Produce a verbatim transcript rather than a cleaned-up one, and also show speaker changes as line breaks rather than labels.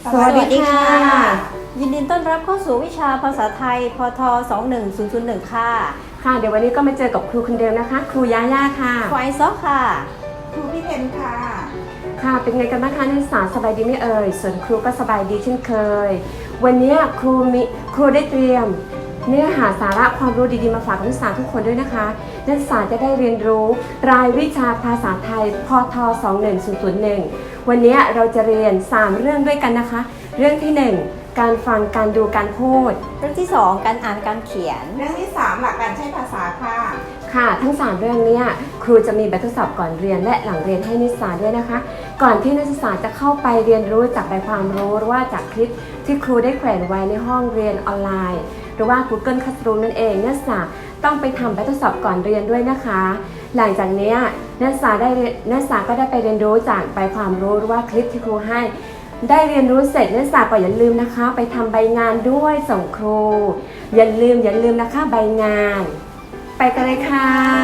สวัสดีค่ะ ยินดีต้อนรับเข้าสู่วิชาภาษาไทยพทสองหนึ่งศูนย์ศูนย์หนึ่งค่ะ
ค่ะเดี๋ยววันนี้ก็มาเจอกับครูคนเดิมนะคะ ครูย่าย่าค่ะ
ครูไอซอกค่ะ
ครูพี่เพนค่ะ
ค่ะเป็นไงกันบ้างคะนักศึกษาสบายดีไหมเอ่ยส่วนครูก็สบายดีเช่นเคยวันนี้ครูมีครูได้เตรียมเนื้อหาสาระความรู้ดีๆมาฝากนักศึกษาทุกคนด้วยนะคะนักศึกษาจะได้เรียนรู้รายวิชาภาษาไทยพทสองหนึ่งศูนย์ศูนย์หนึ่งวันนี้เราจะเรียนสามเรื่องด้วยกันนะคะเรื่องที่หนึ่งการฟังการดูการพูด
เรื่องที่สองการอ่านการเขียน
เรื่องที่สามหลักการใช้ภาษาค่ะ
ค่ะทั้งสามเรื่องนี้ครูจะมีแบบทดสอบก่อนเรียนและหลังเรียนให้นักศึกษาด้วยนะคะก่อนที่นักศึกษาจะเข้าไปเรียนรู้จากใบความรู้หรือว่าจากคลิปที่ครูได้แขวนไว้ในห้องเรียนออนไลน์หรือว่า Google Classroom นั่นเองนักศึกษาต้องไปทำแบบทดสอบก่อนเรียนด้วยนะคะหลังจากนี้นักศึกษาได้นักศึกษาก็ได้ไปเรียนรู้จากใบความรู้หรือว่าคลิปที่ครูให้ได้เรียนรู้เสร็จนักศึกษาก็อย่าลืมนะคะไปทำใบงานด้วยส่งครูอย่าลืมอย่าลืมนะคะใบงานไปกันเลยค่ะ